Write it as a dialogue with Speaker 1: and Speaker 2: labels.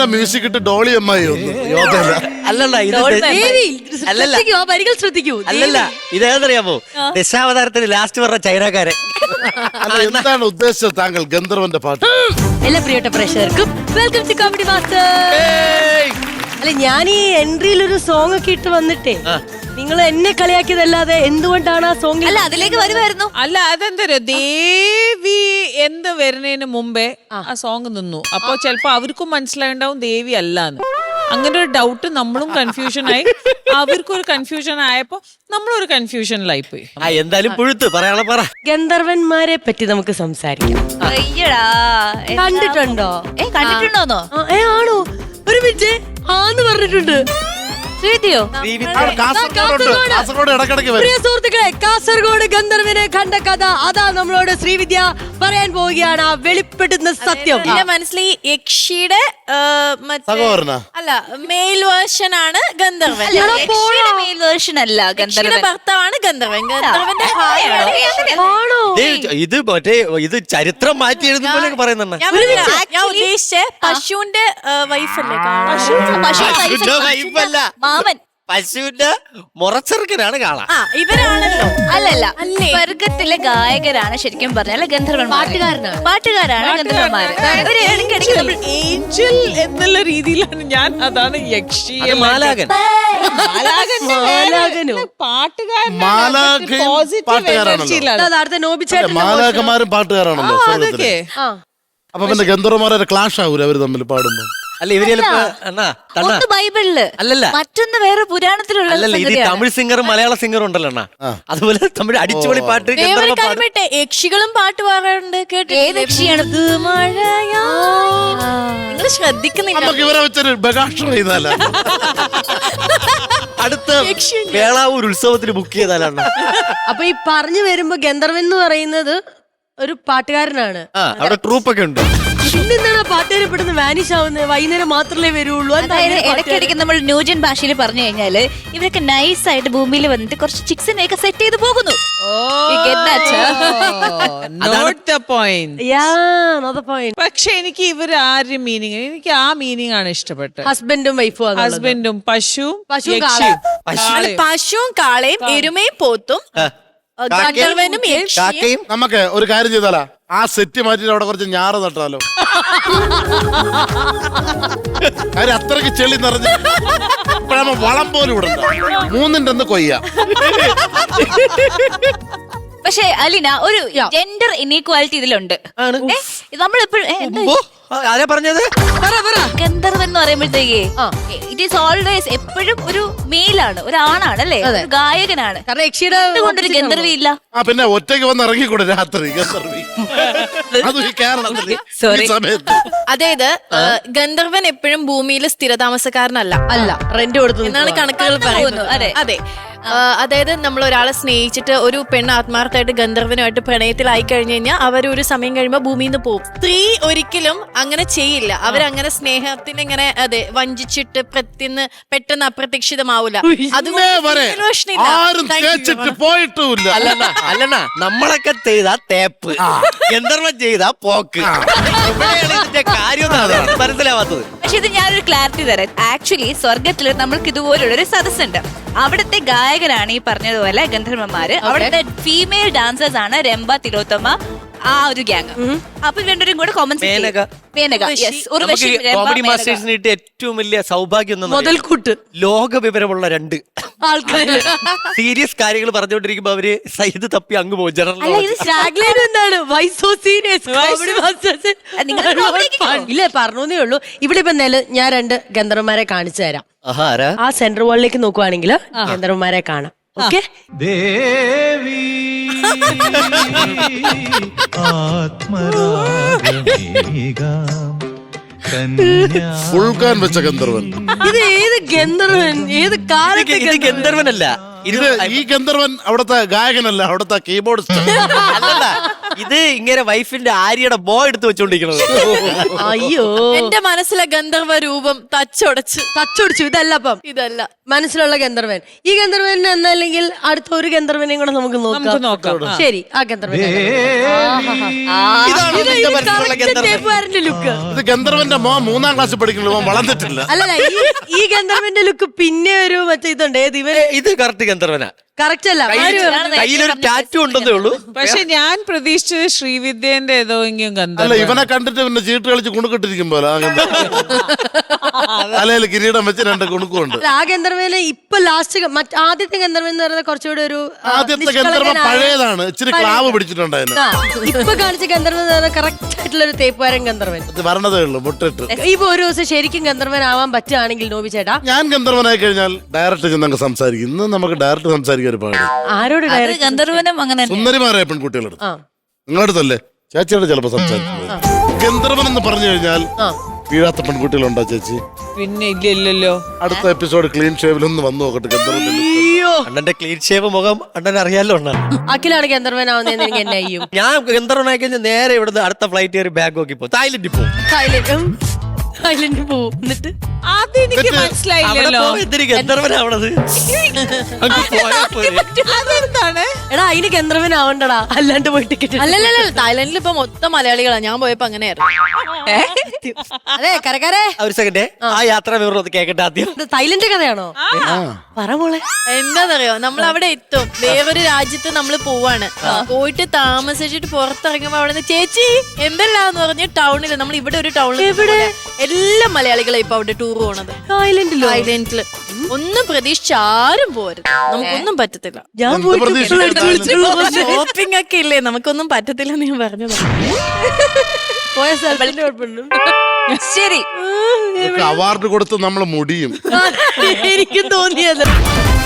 Speaker 1: Music ഇട്ട് ഡോളി അമ്മായി
Speaker 2: അല്ലല്ല ഇത് അല്ലല്ല
Speaker 3: വരികൾ ശ്രദ്ധിക്കൂ.
Speaker 2: അല്ലല്ല ഇതേതറിയാമോ ദശാവതാരത്തിന് ലാസ്റ്റ് പറഞ്ഞ ചൈനക്കാരൻ.
Speaker 1: അല്ല, എന്താണ് ഉദ്ദേശിച്ചത് താങ്കൾ ഗന്ധർവന്റെ പാട്ട്?
Speaker 3: എല്ലാ പ്രിയപ്പെട്ട പ്രേക്ഷകർക്കും വെൽക്കം ടു കോമഡി മാസ്റ്റർ. അല്ല, ഞാൻ ഈ എൻട്രിയിൽ ഒരു സോങ് ഒക്കെ ഇട്ട് വന്നിട്ടേ നിങ്ങൾ എന്നെ കളിയാക്കിയതല്ലാതെ എന്തുകൊണ്ടാണ് ആ സോങ്?
Speaker 4: അല്ല, അതിലേക്ക് വരുമായിരുന്നു.
Speaker 5: അല്ല, അതെന്തോ ദേവി എന്ത് വരുന്നതിന് മുമ്പേ ആ സോങ് നിന്നു. അപ്പൊ ചിലപ്പോ അവർക്കും മനസ്സിലായിണ്ടാവും ദേവി അല്ലാന്ന്. അങ്ങനെ ഒരു ഡൗട്ട് നമ്മളും കൺഫ്യൂഷൻ ആയി, അവർക്കൊരു കൺഫ്യൂഷൻ ആയപ്പോ നമ്മളൊരു കൺഫ്യൂഷനിലായി പോയി.
Speaker 2: എന്തായാലും പുഴുത്ത് പറയാനുള്ള പറ.
Speaker 3: ഗന്ധർവന്മാരെ പറ്റി നമുക്ക് സംസാരിക്കാം.
Speaker 4: അയ്യടാ,
Speaker 3: കണ്ടിട്ടുണ്ടോ?
Speaker 4: കണ്ടിട്ടുണ്ടോന്നോ?
Speaker 3: ആണോ? ഒരു മിനിറ്റ്, ആന്ന് പറഞ്ഞിട്ടുണ്ട്.
Speaker 4: ശ്രീതിയോ?
Speaker 1: കാസർഗോഡ് ഇടക്കിടക്ക് വരും.
Speaker 3: പ്രിയ സുഹൃത്തുക്കളെ, കാസർഗോഡ് ഗന്ധർവനെ കണ്ട കഥ അതാ നമ്മളോട് ശ്രീവിദ്യ പറയാൻ പോവുകയാണ്. ആ വെളിപ്പെടുന്ന സത്യം.
Speaker 6: എന്റെ മനസ്സിൽ ഈ യക്ഷിയുടെ
Speaker 1: സഹോദരനാ?
Speaker 6: അല്ല, മെയിൽ വേർഷൻ ആണ് ഗന്ധർവൻ.
Speaker 4: മെയിൽ വേർഷൻ അല്ല,
Speaker 6: യക്ഷിയുടെ ഭർത്താവാണ് ഗന്ധർവൻ. ഗന്ധർവന്റെ
Speaker 3: ആണോ?
Speaker 2: ഇത് മറ്റേ ഇത് ചരിത്രം മാറ്റി എഴുതുന്ന പോലെ പറയുന്നുണ്ട്.
Speaker 6: ഞാൻ ഉദ്ദേശിച്ച പശുവിന്റെ വൈഫല്ലേ?
Speaker 4: മാമൻ
Speaker 2: പശുവിന്റെ മുറച്ചെറുക്കനാണ് കാണാൻ.
Speaker 6: ഇവരാണല്ലോ.
Speaker 4: അല്ലല്ല, സ്വർഗത്തിലെ ഗായകരാണ് ശരിക്കും പറഞ്ഞാൽ ഗന്ധർവന്മാർ. പാട്ടുകാരാണ് ഗന്ധർവന്മാര്. ഇവര് ഇടയ്ക്കിടയ്ക്ക് നമ്മൾ
Speaker 5: ഏഞ്ചൽ എന്നുള്ള രീതിയിലാണ് ഞാൻ, അതാണ് യക്ഷി.
Speaker 2: മാലാകൻ
Speaker 1: മാലാഖമാരും പാട്ടുകാരാണല്ലോ. അപ്പൊ പിന്നെ ഗന്ധർവന്മാരെ ക്ലാഷ് ആവൂല അവര് തമ്മിൽ പാടുമ്പോ?
Speaker 2: അല്ല, ഇവര്
Speaker 4: ഒന്ന് ബൈബിളില്,
Speaker 2: അല്ലല്ല,
Speaker 4: മറ്റൊന്ന് വേറെ പുരാണത്തിലുള്ള.
Speaker 2: അല്ലല്ല, ഇത് തമിഴ് സിംഗറും മലയാള സിംഗറും ഉണ്ടല്ലോ അണ്ണാ. അതുപോലെ തമിഴ് അടിച്ചുപൊളി പാട്ട്
Speaker 6: യക്ഷികളും പാട്ട് പാടാറുണ്ട്. കേട്ടോ?
Speaker 4: ഏത് യക്ഷിയാണ്?
Speaker 6: നിങ്ങൾ ശ്രദ്ധിക്കുന്നില്ല.
Speaker 1: നമുക്ക് ഇവരെ വെച്ചൊരു ബഗാഷ് ചെയ്താല.
Speaker 2: അടുത്ത വേളാവൂർ ഉത്സവത്തിന് ബുക്ക് ചെയ്താലാണ്.
Speaker 3: അപ്പൊ ഈ പറഞ്ഞു വരുമ്പോ ഗന്ധർവൻ എന്ന് പറയുന്നത് ഒരു പാട്ടുകാരനാണ്.
Speaker 2: അവിടെ ട്രൂപ്പൊക്കെ ഉണ്ട്.
Speaker 3: പിന്നെന്താണ് പാട്ടുകാരെ പെട്ടെന്ന് വാനിഷ് ആവുന്നത്? വൈകുന്നേരം മാത്രമേ വരുള്ളൂ.
Speaker 4: അതായത് ഇടയ്ക്കിടയ്ക്ക് നമ്മൾ ന്യൂജൻ ഭാഷയിൽ പറഞ്ഞു കഴിഞ്ഞാല് ഇവരൊക്കെ നൈസ് ആയിട്ട് ഭൂമിയിൽ വന്നിട്ട് കുറച്ച് ചിക്സിനെയൊക്കെ സെറ്റ് ചെയ്ത് പോകുന്നു.
Speaker 5: പക്ഷെ എനിക്ക് ഇവർ ആരും മീനിങ്, എനിക്ക് ആ മീനിങ് ആണ് ഇഷ്ടപ്പെട്ടത്.
Speaker 3: ഹസ്ബൻഡും വൈഫും.
Speaker 5: ഹസ്ബൻഡും പശുവും
Speaker 6: പശുവും കാളയും എരുമയും പോത്തും ഗന്ധർവനും യക്ഷിയും.
Speaker 1: നമുക്ക് ഒരു കാര്യം ചെയ്താലാ, ആ സെറ്റ് മാറ്റിട്ട് അവിടെ കുറച്ച് ഞാറ് നട്ടാലോ? കാര്യം അത്രയ്ക്ക് ചെളി നിറഞ്ഞ് ഇപ്പഴാകുമ്പോ വളം പോലും ഇടണ്ട. മൂന്നിന്റെ ഒന്ന് കൊയ്യാം.
Speaker 4: പക്ഷെ അലിന, ഒരു ജെൻഡർ ഇനീക്വാലിറ്റി ഇതിലുണ്ട്. നമ്മളെപ്പോഴും
Speaker 2: ആരാ പറഞ്ഞത്?
Speaker 4: ഗന്ധർവൻ എന്ന് പറയുമ്പോഴത്തേക്ക് ഇറ്റ് ഈസ് ഓൾവേസ് എപ്പോഴും ഒരു മെയിലാണ്, ഒരു ആണാണ് അല്ലേ, ഗായകനാണ്.
Speaker 3: കാരണം യക്ഷിയുടെ
Speaker 4: കൊണ്ടൊരു ഗന്ധർവി ഇല്ല.
Speaker 1: പിന്നെ ഒറ്റയ്ക്ക് വന്ന് ഇറങ്ങിക്കൂടെ രാത്രി ഗന്ധർവി? അത് കേരളത്തിൽ സമയത്ത്.
Speaker 6: അതായത് ഗന്ധർവൻ എപ്പോഴും ഭൂമിയിൽ സ്ഥിരതാമസക്കാരനല്ല,
Speaker 3: റെന്റ് കൊടുത്തു
Speaker 6: എന്നാണ് കണക്കുകൾ പറയുന്നത്. അതെ, അതായത് നമ്മൾ ഒരാളെ സ്നേഹിച്ചിട്ട് ഒരു പെണ്ണ് ആത്മാർത്ഥമായിട്ട് ഗന്ധർവനുമായിട്ട് പ്രണയത്തിലായി കഴിഞ്ഞു കഴിഞ്ഞാൽ അവരൊരു സമയം കഴിയുമ്പോൾ ഭൂമിയിൽ നിന്ന് പോകും. സ്ത്രീ ഒരിക്കലും അങ്ങനെ ചെയ്യില്ല. അവരങ്ങനെ സ്നേഹത്തിന് ഇങ്ങനെ വഞ്ചിച്ചിട്ട് പെട്ടെന്ന് അപ്രതീക്ഷിതമാവൂല.
Speaker 2: അല്ലണ്ണ, നമ്മളൊക്കെ ചെയ്താ തേപ്പ്, ഗന്ധർവൻ ചെയ്താ പോക്ക്. കാര്യം മനസ്സിലാവാത്തത്.
Speaker 4: പക്ഷെ ഇത് ഞാനൊരു ക്ലാരിറ്റി തരാം. ആക്ച്വലി സ്വർഗത്തില് നമ്മൾക്ക് ഇതുപോലുള്ളൊരു സദസ്സുണ്ട്. അവിടുത്തെ ഗായകരാണ് ഈ പറഞ്ഞതുപോലെ ഗന്ധർവന്മാര്. അവിടുത്തെ ഫീമെയിൽ ഡാൻസേഴ്സ് ആണ് രംഭ, തിലോത്തമ, ആ ഒരു ഗ്യാങ്. അപ്പൊ രണ്ടുപേരും കൂടെ
Speaker 2: കോമഡി മാസ്റ്റേഴ്സിന് കിട്ടിയ ഏറ്റവും വലിയ സൗഭാഗ്യം
Speaker 3: മുതൽക്കൂട്ട്,
Speaker 2: ലോക വിവരമുള്ള രണ്ട് ആൾക്കാര് സീരിയസ് കാര്യങ്ങൾ പറഞ്ഞുകൊണ്ടിരിക്കുമ്പോ അവര് സൈഡ് തപ്പി അങ്ങ് പോകും.
Speaker 3: ഇല്ല, പറഞ്ഞേ ഉള്ളൂ. ഇവിടെ ഇപ്പൊ ഞാൻ രണ്ട് ഗന്ധർവന്മാരെ കാണിച്ചു തരാം. ആ സെൻട്രൽ വാളിലേക്ക് നോക്കുവാണെങ്കിൽ ഗന്ധർവന്മാരെ കാണാം. ഓക്കെ,
Speaker 1: ഫുൾക്കാൻ വെച്ച ഗന്ധർവൻ.
Speaker 3: ഇത് ഏത് ഗന്ധർവൻ? ഏത് കാലത്തെ
Speaker 2: ഗന്ധർവനല്ല
Speaker 1: ഇത്? ഈ ഗന്ധർവൻ അവിടുത്തെ ഗായകനല്ല, അവിടുത്തെ കീബോർഡിസ്റ്റ്.
Speaker 2: അല്ലല്ല, ഇത് ഇങ്ങനെ വൈഫിന്റെ ആര്യയുടെ ബോ എടുത്ത് വെച്ചോണ്ടിരിക്കണത്.
Speaker 3: അയ്യോ
Speaker 6: എന്റെ മനസ്സിലെ ഗന്ധർവ രൂപം തച്ചൊടച്ച്.
Speaker 3: തച്ചൊടിച്ചു. ഇതല്ല അപ്പം
Speaker 6: ഇതല്ല
Speaker 3: മനസ്സിലുള്ള ഗന്ധർവൻ. ഈ ഗന്ധർവൻ എന്നല്ലെങ്കിൽ അടുത്ത ഒരു ഗന്ധർവനെയും കൂടെ നമുക്ക്
Speaker 5: നോക്കാം.
Speaker 3: ശരി, ആ ഗന്ധർവൻ
Speaker 2: ഇതാണ് നിന്റെ മനസ്സിലുള്ള ഗന്ധർവ്വൻ.
Speaker 3: ലുക്ക്.
Speaker 1: ഇത് ഗന്ധർവന്റെ മോൻ 3ാം ക്ലാസ്സിൽ പഠിക്കുള്ളൂ, മോൻ വളർന്നിട്ടില്ല.
Speaker 3: അല്ലല്ല, ഈ ഗന്ധർവന്റെ ലുക്ക് പിന്നെ ഒരു മറ്റേ ഇതുണ്ട്. ഏത് ഇവൻ
Speaker 2: ഇത് കറക്റ്റ് ഗന്ധർവനാ.
Speaker 3: കറക്റ്റ് അല്ല,
Speaker 2: കയ്യിലൊരു ടാറ്റു ഉണ്ടെന്നേ ഉള്ളൂ.
Speaker 5: പക്ഷെ ഞാൻ പ്രതീക്ഷിച്ചത് ശ്രീവിദ്യന്റെ ഏതോ എങ്കിലും
Speaker 1: അല്ല,
Speaker 5: ഗന്ധർവ്വൻ.
Speaker 1: ഇവനെ കണ്ടിട്ട് പിന്നെ ചീട്ട് കളിച്ച് കുണുക്കിട്ടിരിക്കും പോലെ ആ ഗന്ധർവൻ. തലയിൽ കിരീടം വെച്ച് 2 കുണുക്കുണ്ട്.
Speaker 3: ആ ഗന്ധർവന് ഇപ്പൊ ലാസ്റ്റ് ആദ്യത്തെ ഗന്ധർവൻ എന്ന് പറയുന്നത് കുറച്ചുകൂടെ ഒരു
Speaker 1: ആദ്യത്തെ ഗന്ധർവൻ പഴയതാണ്, ഇച്ചിരി ക്ലാവ് പിടിച്ചിട്ടുണ്ടായിരുന്നു.
Speaker 3: ഇപ്പൊ കാണിച്ച ഗന്ധർവൻ എന്ന് പറഞ്ഞാൽ കറക്റ്റ് ആയിട്ടുള്ള ഒരു തേപ്പുകാരൻ ഗന്ധർവൻ.
Speaker 1: അത് വരണതേ ഉള്ളൂ, മുട്ടിട്ട്.
Speaker 3: ഇപ്പൊ ഒരു ദിവസം ശരിക്കും ഗന്ധർവൻ ആവാൻ പറ്റുകയാണെങ്കിൽ നോബി ചേട്ടാ,
Speaker 1: ഞാൻ ഗന്ധർവനായി കഴിഞ്ഞാൽ ഡയറക്റ്റ് ചെന്നങ്ങ് സംസാരിക്കും. ഇന്ന് നമുക്ക് ഡയറക്റ്റ് സംസാരിക്കാൻ ഒരു പാട്.
Speaker 3: ആരോട്
Speaker 4: അത്
Speaker 3: direct?
Speaker 4: ഗന്ധർവനും അങ്ങനെ തന്നെ.
Speaker 1: സുന്ദരിമാരായ പെൺകുട്ടികളെടുത്ത്
Speaker 3: ആ.
Speaker 1: നിങ്ങളടുത്തല്ലേ ചേച്ചിയോട് ചിലപ്പോ സംസാരിക്കുന്നത്. ഗന്ധർവൻ എന്ന് പറഞ്ഞു കഴിഞ്ഞാൽ വീഴാത്ത പെൺകുട്ടികളുണ്ടോ ചേച്ചി?
Speaker 5: പിന്നെ ഇല്ലല്ലോ.
Speaker 1: അടുത്ത എപ്പിസോഡ് ക്ലീൻ ഷേവിലൊന്ന് വന്നു നോക്കട്ടെ ഗന്ധർവന്റെ look.
Speaker 3: അയ്യോ,
Speaker 2: അണ്ണന്റെ ക്ലീൻ ഷേവ് മുഖം അണ്ണൻ അറിയാലോ അണ്ണ.
Speaker 3: അഖിലാണ് ഗന്ധർവൻ ആവുന്നതെന്ന് എനിക്ക് എന്നെ അയ്യും.
Speaker 2: ഞാൻ ഗന്ധർവനായി കഴിഞ്ഞാൽ നേരെ ഇവിടുന്ന് അടുത്ത ഫ്ലൈറ്റ് കയറി ബാഗ് നോക്കി പോകും, തായ്ലൻഡിൽ പോകും.
Speaker 3: ഐലൻഡ് പോവും. എന്നിട്ട്
Speaker 5: അതെനിക്ക്
Speaker 2: അവിടെ
Speaker 5: മനസ്സിലായില്ലല്ലോ.
Speaker 2: പോയി എന്തിന് ഗന്ധർവനാവണത്? അങ്ങ് പോയാ പോരെ.
Speaker 5: അതെന്താണ്?
Speaker 3: എടാ അതിന് ഗന്ധർവൻ ആവണ്ടടാ, അല്ലാണ്ട് പോയി ടിക്കറ്റ്.
Speaker 6: അല്ലല്ല, തായ്ലൻഡിൽ ഇപ്പൊ മൊത്തം മലയാളികളാ. ഞാൻ പോയപ്പോ അങ്ങനെയായിരുന്നു.
Speaker 3: അതെ കരകരെ.
Speaker 2: ഒരു സെക്കൻഡ്, ആ യാത്ര വിവരം ഒന്ന് കേക്കട്ടെ ആദ്യം.
Speaker 3: തായ്ലൻഡ് കഥയാണോ? പറ മോളെ.
Speaker 6: എന്താന്നറിയോ, നമ്മൾ അവിടെ എത്തും, വേറൊരു രാജ്യത്ത് നമ്മൾ പോവാണ്. പോയിട്ട് താമസിച്ചിട്ട് പുറത്തിറങ്ങുമ്പോ അവിടെ നിന്ന് ചേച്ചി എന്തെല്ലാന്ന് പറഞ്ഞ് ടൗണില്, നമ്മൾ ഇവിടെ ഒരു ടൗണിൽ എല്ലാ മലയാളികളെ ഇപ്പൊ അവിടെ ടൂർ പോണത്.
Speaker 3: തായ്ലൻഡിലോ?
Speaker 6: തായ്ലൻഡില് ഒന്നും പ്രതീക്ഷിച്ച് ആരും പോരുത്, നമുക്കൊന്നും പറ്റത്തില്ല.
Speaker 3: ഞാൻ
Speaker 1: എന്ത്
Speaker 3: പോയിട്ട്
Speaker 1: പ്രതീക്ഷ?
Speaker 3: ഇപ്പോൾ എടുത്ത് വിളിച്ചിട്ടുള്ളൂ.
Speaker 6: ഷോപ്പിംഗ് ഒക്കെ ഇല്ലേ, നമുക്കൊന്നും പറ്റത്തില്ലെന്ന് ഞാൻ പറഞ്ഞത്.
Speaker 3: പോയ സ്ഥലത്തിന്റെ കുഴപ്പമുണ്ട്.
Speaker 4: ശരി,
Speaker 1: അവാർഡ് കൊടുത്ത് നമ്മൾ മുടിയും.
Speaker 3: എനിക്കും തോന്നിയത്